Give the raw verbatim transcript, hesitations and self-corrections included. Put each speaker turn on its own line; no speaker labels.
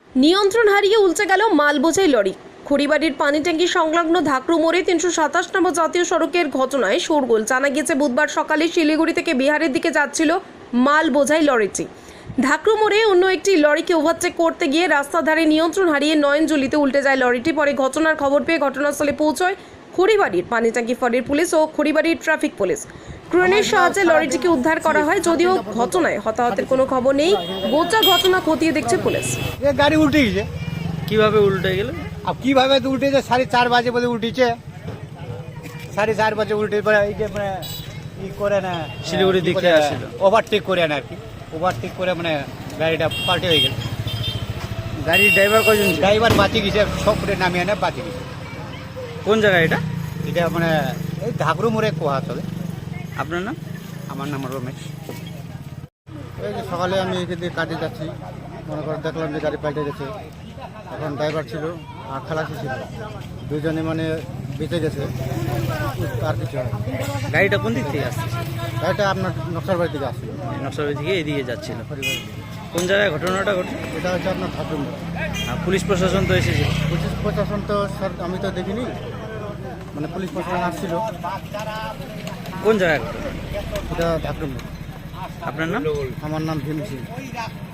নিয়ন্ত্রণ হারিয়ে উল্টে গেল মাল বোঝাই লরি। খড়িবাড়ির পানি ট্যাঙ্কি সংলগ্ন ধাকরু মোড়ে তিনশো সাতাশ নম্বর জাতীয় সড়কের ঘটনায় শোরগোল। জানা গিয়েছে বুধবার সকালে শিলিগুড়ি থেকে বিহারের দিকে যাচ্ছিল মাল বোঝাই লরিটি। ধাকরু মোড়ে অন্য একটি লরিকে ওভারটেক করতে গিয়ে রাস্তার ধারে নিয়ন্ত্রণ হারিয়ে নয়নজলিতে উল্টে যায় লরিটি। পরে ঘটনার খবর পেয়ে ঘটনাস্থলে পৌঁছয় খড়িবাড়ির পানি ট্যাঙ্কি ফাঁড়ির পুলিশ ও খড়িবাড়ির ট্রাফিক পুলিশ। ক্রেনের সাহায্যে লরিটিকে উদ্ধার করা হয়, যদিও ঘটনায় হতাহতের কোনো খবর নেই। গোটা ঘটনা খতিয়ে দেখছে পুলিশ।
ये गाड़ी उल्टी गई
কিভাবে উল্টে গেল?
अब की भावे तो उल्टे जे साढ़े चार बजे बजे उल्टी छे साढ़े चार बजे उल्टे पर এই যে মানে ই করে না
শিলিগুড়ি দিকে আসছিল,
ওভারটেক করে না আর কি ওভারটেক করে মানে গাড়িটা পাল্টে হয়ে গেল।
গাড়ির ড্রাইভার কজন ছিল?
ড্রাইভার বাঁচি গেছে, সব করে নামিয়ে না বাঁচি গেছে।
কোন জায়গা এটা?
এটা মানে এই ধাকরু মোড়ে কোয়া চলে।
আপনার নাম?
আমার নাম রমেশ। এই যে সকালে আমি এখান থেকে কাজে যাচ্ছি, মনে করে দেখলাম যে গাড়ি পাল্টে গেছে। এখন ড্রাইভার ছিল আর খালাসি ছিল, দুজনে মানে বেঁচে গেছে, আর কিছু হয়।
গাড়িটা কোন দিক থেকে আসছে?
গাড়িটা আপনার নকশার বাড়ি থেকে আসছিল,
নকশাবাড়ি থেকে এদিকে যাচ্ছিল।
পরিবার।
কোন জায়গায় ঘটনাটা ঘটে?
এটা হচ্ছে আপনার ধাকরু মোড়।
আর পুলিশ প্রশাসন তো এসেছে।
পুলিশ প্রশাসন তো স্যার আমি তো দেখিনি, মানে পুলিশ প্রশাসন আসছিল।
কোন জায়গায় ঘটনা?
এটা ধাকরু মোড়।
আপনার নাম?
আমার নাম ভীম সিং।